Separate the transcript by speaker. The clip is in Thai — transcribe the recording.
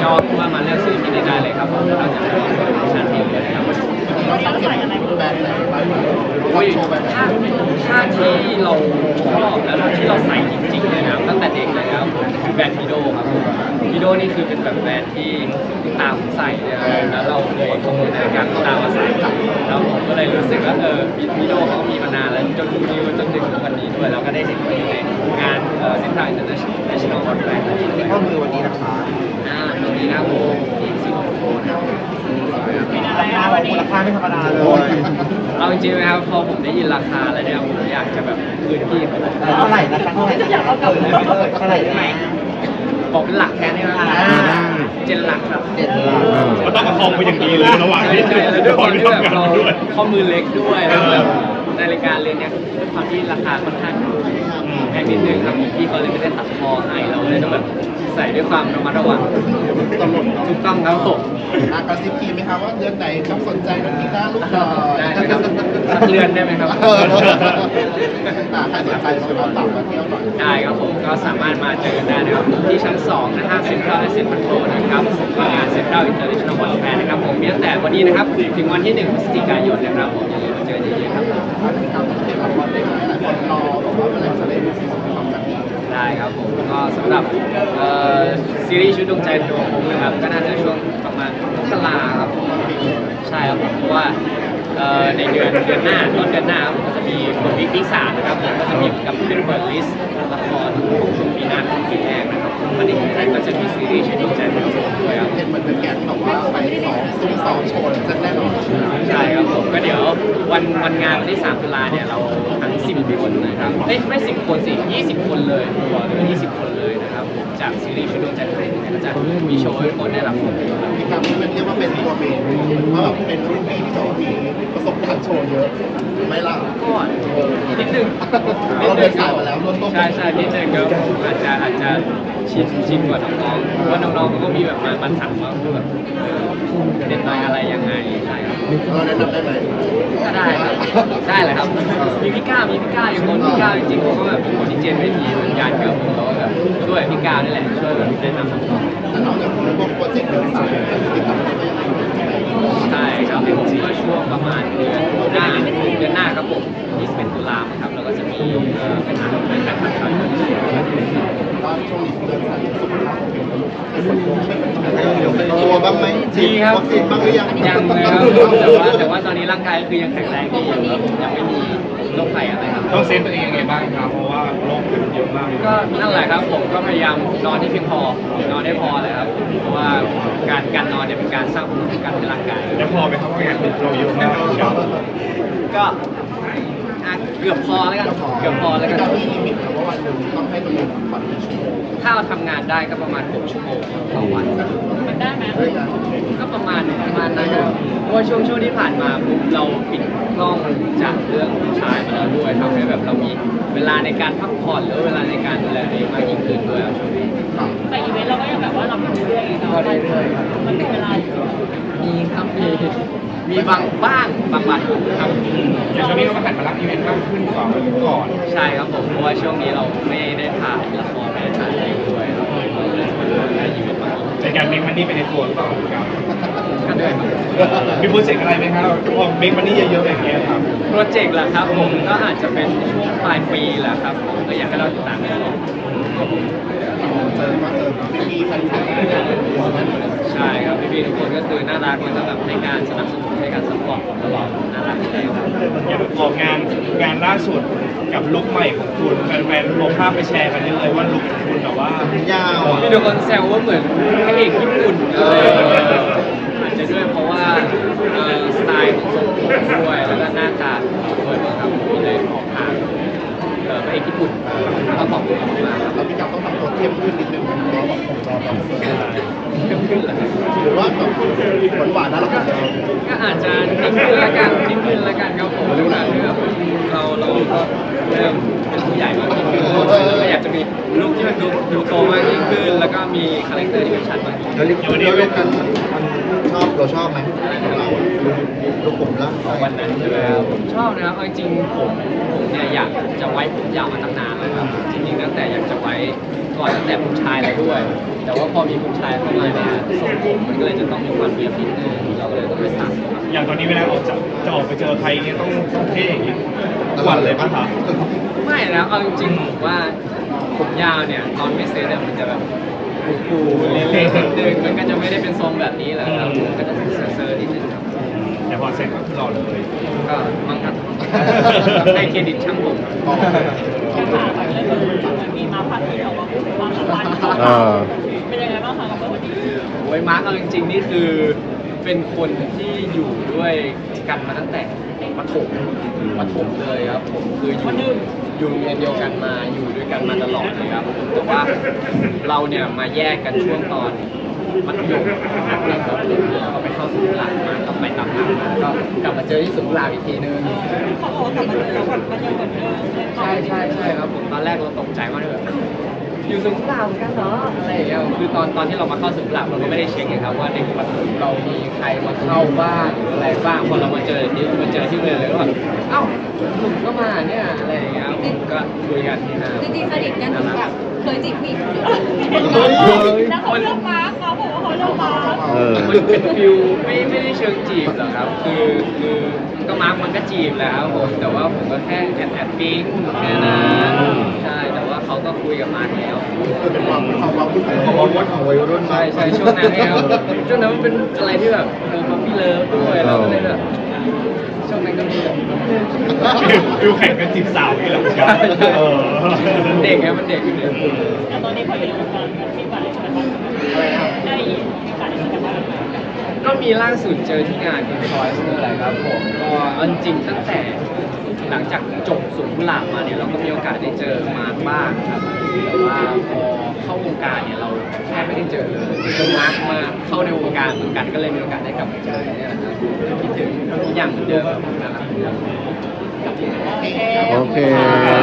Speaker 1: ก็ว่ามาเลือกซื้อที่นี่ได้เลยครับผมเราจะมีโปรโมชั่นที่เลยครับ
Speaker 2: เราตั้งใจอะไรแบรนด์ไหนบ้างโชว์แบบไหน
Speaker 1: ถ้าที่เราชอบแล้วที่เราใส่จริงๆเลยนะตั้งแต่เด็กเลยนะครับผมคือแบรนด์พีโดครับผมพีโดนี่คือเป็นแบบแบรนด์ที่ตามใส่เนี่ยแล้วเราเคยขโมยนาฬิกาตามมาใส่แล้วผมก็เลยรู้สึกว่าพีโดเขามีมานานแล้วจนมีจนถึงวันนี้ด้วยเราก็ได้เห็นในงานเซ็นทรัลอินเตอร์เนชั่นแนลคอนเฟอเรนซ์ด้วย
Speaker 2: ข้อมือวันนี้นะคะ
Speaker 1: ตรงนี้นะผมที่สิงคโปร์นะ
Speaker 2: มูลค่าไม่ธรรมดาเลย
Speaker 1: เอาจริงๆนะครับพอผมได้ยินราคาแล้วเนี่ยผมอยากจะแบบคืนพี่เขา
Speaker 2: เท่าไหร่นะคะเท่าไหร่อยากเอากลับเท่าไหร่ไหม
Speaker 1: บอกเป็นหลักแค่นี้ไหม7 หลักครับ
Speaker 3: ก็ต้องประคองไปอย่างดีเลยระหว่างที่
Speaker 1: ด้วยความที่แบบเราข้อมือเล็กด้วยแล้วแบบนาฬิกาเรือนเนี่ยด้วยความที่ราคาค่อนข้างแพงนิดนึงครับพี่เขาเลยไม่ได้ตัดคอให้เราเลยต้องแบบใส่ด้วยความระมัดระวัง
Speaker 2: ตลด
Speaker 1: ถูกต้องครับผม
Speaker 2: กระซิบทีไหมครับว่าเดือนไหนครับสนใจน้องกีต้าลูกหล่อ
Speaker 1: ได้ครับสักเดือนได้ไหมครับ
Speaker 2: ใครสนใจก็มาฝากมาเที่ยวหน่อย
Speaker 1: ได้ครับผมก็สามารถมาเจอกันได้นะครับที่ชั้น2นะห้างเซ็นทรัลและเซ็นทรัลโลนะครับงานเซ็นทรัลอินเตอร์เนชั่นแนลคอนเฟอเรนซ์นะครับผมมีตั้งแต่วันนี้นะครับถึงวันที่1 พฤศจิกายนนะครับผมอย่าลืมมาเจอเยอะๆครับ
Speaker 2: คนรอบอกว่าเมื่อไหร่จะได้ดูซีซั่น2กัน
Speaker 1: ได้ครับผมก็สำหรับซีรีส์ชุดดวงใจดวงผมนะครับก็น่าจะช่วงประมาณมกราครับใช่ครับผมเพราะว่าในเดือนหน้าต้นเดือนหน้าผมก็จะมีบทวิกที่3นะครับผมก็จะมีกับเป็นเปิดลิสต์ละครของช่วงปีหน้าของปีแรกนะครับวันนี้ก็จะมีซีรีส์ชุดดวงใจดวงผมด้วยครับ
Speaker 2: เห็นเหมือนเป็นแกนแบบว่าไปซุ้ม2โชว์จะแน่นอน
Speaker 1: ใช่ครับผมก็เดี๋ยววันงานวันที่3 ตุลาเนี่ยเราทั้ง10 คนนะครับไม่10 คนสิ20 คนเลยตัวหรือ20 คนเลยนะครับผมจากซีรีส์ชุดดวงใจดวงผมก็จะมีโชว์ให้คนได้รับชม
Speaker 2: ที่ครับมันเรียกว่าเป็นตัวเมนเพราะแบบเป็นรุ่นพี่ที่บอกมีประสบการณ์โชว์เยอะไม่ล่ะ
Speaker 1: ก็นิดนึง
Speaker 2: เราเดินสายมาแล้วร่วมต้น
Speaker 1: ใช่นิดนึงครับอาจจะชินกว่าน้องๆเพราะว่าน้องๆเขาก็มีแบบมาถามว่าแบบเด็ดไปอะไรยังไงใช่ครับ
Speaker 2: เราแนะนำได้ไหม
Speaker 1: ก็ได้ได้เลยครับมีพี่ก้าอยู่คนพี่ก้าจริงๆเขาก็แบบเป็นคนที่เจนไม่ดีเหมือนกันครับผมแล้วก็แบบช่วยพี่ก้านี่แหละช่วยแบบแนะนำน้อง
Speaker 2: ๆแต่นอกจากพวกโปรเจกต์เดินสายติดต่อได้ยังไง
Speaker 1: ใช่ครับผมก็ช่วงประมาณเดือนหน้าครับผม21 ตุลาคมครับแล้วก็จะมีเป็นการถ่ายทอด
Speaker 2: ว่าช่วงนี้เดินสายสุขภาพเป็นตัวบ้างไหม
Speaker 1: ดีครับ
Speaker 2: วัคซีนบ้างหรือยัง
Speaker 1: ยังเลยครับแต่ว่าตอนนี้ร่างกายคือยังแข็งแรงดีอยู่ครับยังไม่มีโรคภัยอะไรครับ
Speaker 3: ต้องเซฟตัวเองยังไงบ้างครับเพราะว่าโรคมันเยอะมาก
Speaker 1: ก็นั่นแหละครับผมก็พยายามนอนที่เพียงพอนอนได้พอเลยครับเพราะว่าการนอนเนี่ยเป็นการสร้างภูมิคุ้มกันให้ร่างกาย
Speaker 3: แล้วพอไหมครับว่างานเราเยอะมาก
Speaker 1: ก็เกือบพอแล้วกัน
Speaker 2: เรามีลิมิตว่าวันหนึ่งต้องให้ตัวเองพักกี่ชั่วโมง
Speaker 1: ถ้าเราทำงานได้ก็ประมาณ6 ชั่วโมงต่อวันมันได้ไหมก็ประมาณนั้นครับเพราะว่าช่วงที่ผ่านมาเราปิดกล้องจากเรื่องผู้ชายมาแล้วด้วยทำให้แบบเรามีเวลาในการพักผ่อนหรือเวลาในการดูแลตัวเองมากยิ่งขึ้นด้วยช่วงนี้
Speaker 4: แต่อีเวนต์เราก็ยังแบบว่าเราทำเรื่อยๆเนาะมันถึงเวลา
Speaker 1: มีครับมีบางวันครับ
Speaker 3: อย่างช่วงนี้เราก็หันมารับอีเวนต์มากขึ้นกว่าก่อน
Speaker 1: ใช่ครับผมเพราะว่าช่วงนี้เราไม่ได้ถ่ายละครไม่ได้ถ่ายอะไรด้วยครับได้อีเวนต์มาก
Speaker 3: ในการเมคมันนี่ไปในตัวหรือเปล่าครับ
Speaker 1: ก็ด้วย
Speaker 3: มีโปรเจกต์อะไรไหมครับพอเมคมันนี่เยอะๆอย่างเงี้ยครับ
Speaker 1: โปรเจกต์แหละครับผมก็อาจจะเป็นช่วงปลายปีแหละครับผมก็อยากให้เราติดตามกัน
Speaker 2: เจอพี่แฟนคลับ
Speaker 1: ใช่ครับพี่ทุกคนก็คือน่ารักแล้วก็แบบให้การสนับสนุนให้การซัพพอร์ตตลอดน่ารักเลยครับ
Speaker 3: อย่างออกงานล่าสุดกับลุคใหม่ของคุณแฟนๆลงภาพไปแชร์กันเยอะเลยว่าลุคของคุณแต่ว่าย
Speaker 2: าว
Speaker 1: พี่ทุกคนแซวว่าเหมือนพระเอกญี่ปุ่นเลยอาจจะด้วยเพราะว่าสไตล์ของทรงผมด้วยแล้วก็หน้าตาด้วยครับพี่เลยออกทางพระเอกญี่ปุ่นแล้วก็ขอบคุณมาก
Speaker 2: แล้วพี่กับต้องทำตัวเข้มขึ้นนิดนึงมันรอแบบผมรอแบบ
Speaker 1: เข้มขึ้นเหรอ
Speaker 2: หรือว่าแบบหวานๆนะเรา
Speaker 1: ก็อาจจะนิ่งขึ้นละกันครับผมดูหนังเรื่องเราก็เริ่มเป็นผู้ใหญ่มากขึ้นแล้วก็อยากจะมีลุคที่มันดูโตมากยิ่งขึ้นแล้วก็มีคาแรคเตอร์ที่มันชัดมาก
Speaker 2: แล้วเรื่องกันเราชอบไหมเราลูกผมแล้ว
Speaker 1: วันนั้นใช่ไหมครับผมชอบนะครับจริงๆผมเนี่ยอยากจะไว้ผมยาวมาตั้งนานแล้วครับจริงๆตั้งแต่อยากจะไว้ก่อนตั้งแต่ผู้ชายแล้วด้วยแต่ว่าพอมีผู้ชายเข้ามาเนี่ยทรมันก็เลยจะต้องมีความเนียบนิดนึงเราก็เลยต้องไปสั่งครับ
Speaker 3: อย่างตอนนี้เวลาจะออกไปเจอใครเนี่ยต้องเท่อย่างนี้ทุกวันเลยป่ะคะ
Speaker 1: ไม่นะเอาจริงๆผมว่าผมยาวเนี่ยตอนไม่เซ็ตเนี่ยมันจะแบบฟูๆเละๆนิดนึงมันก็จะไม่ได้เป็นทรงแบบนี้แหละครับผมก็จะเซอร์ๆนิดนึงครับ
Speaker 3: แต่พอเสร็จก็คือหล่อเลย
Speaker 1: ก็มั่งครับให้เครดิตช่างผม
Speaker 2: อ๋อ
Speaker 4: แค่ถามเรื่องมันมีมาพักที่ออกมาพูดถึงความสัมพันธ์เป็นยังไงบ้างคะกับวันนี้
Speaker 1: โอ้ยมาร์กเอาจริงๆนี่คือเป็นคนที่อยู่ด้วยกันมาตั้งแต่ประถมเลยครับผมคืออยู่โรงเรียนเดียวกันมาอยู่ด้วยกันมาตลอดเลยครับผมแต่ว่าเราเนี่ยมาแยกกันช่วงตอนมัธยมนะครับแล้วก็ไปเข้าสุขุลาภมาก็ไปตามหลังมาก็กลับมาเจอที่สุขุลาภอีกทีนึง
Speaker 4: เขาบอกว่ากลับมาเจอเราแบบมันยังเหมือนเดิมเลย
Speaker 1: ใช่ครับผมตอนแรกเราตกใจมากเลยแบบอยู่สุขุลาภเหมือนกันเหรออะไรอย่างเงี้ยคือตอนที่เรามาเข้าสุขุลาภเราก็ไม่ได้เช็คไงครับว่าในประถมเรามีใครมาเข้าบ้างหรืออะไรบ้างพอเรามาเจอที่โรงเรียนเลยก็แบบเอ้าหนุ่มก็มาเนี่ยอะไรอย่างเงี้ยผมก็คุยกันที่ห้าง
Speaker 5: จริงๆสนิทกันถึงแบบเคยจีบผู้หญิงคนเดียว
Speaker 4: แล้วเขาเลือกมาร์คเขาบอกว่าเขาเลือกมาร์ค
Speaker 1: มันเป็นฟิลไม่ได้เชิงจีบหรอกครับ คือก็มาร์กมันก็จีบแหล้วผมแต่ว่าผมก็แค่แอบปิ๊งแค่นั้นใช่แต่ว่าเขาก็คุยกับมาร์กแล้ว
Speaker 2: เป็นความพูดของวัยรุ่น
Speaker 1: ใช่ช่วงนั้นเนี่ยครับช่วงนั้นมันเป็นอะไรที่แบบมันมีเลิฟด้วยเราก็เลยแบบช่วงนั้นก็มีแบบ
Speaker 3: ฟิลแข่งกันจีบสาวนี่แหละครับ
Speaker 1: มันเด็กไงมันเด็กอยู่เนี่ย
Speaker 4: แต่ตอนนี้พออยู่ในวงการมีโอกาสได้เจอกันบ้าง
Speaker 1: อะไรนะครับ
Speaker 4: ได้มีโอกาสได้เจอกันบ้างไหม
Speaker 1: ก็มีล่าสุดเจอที่งานคุณพลอยส์อะไรครับผมก็เอาจริงๆตั้งแต่หลังจากจบสุขุลาภมาเนี่ยเราก็มีโอกาสได้เจอมาร์คบ้างครับแต่ว่าพอเข้าวงการเนี่ยเราแทบไม่ได้เจอเลยจนมาร์คมาเข้าในวงการเหมือนกันก็เลยมีโอกาสได้กลับมาเจอเนี่ยนะครับคิดถึงทุกอย่างเหมือนเดิมนะครับ
Speaker 5: โอเค
Speaker 6: โอเค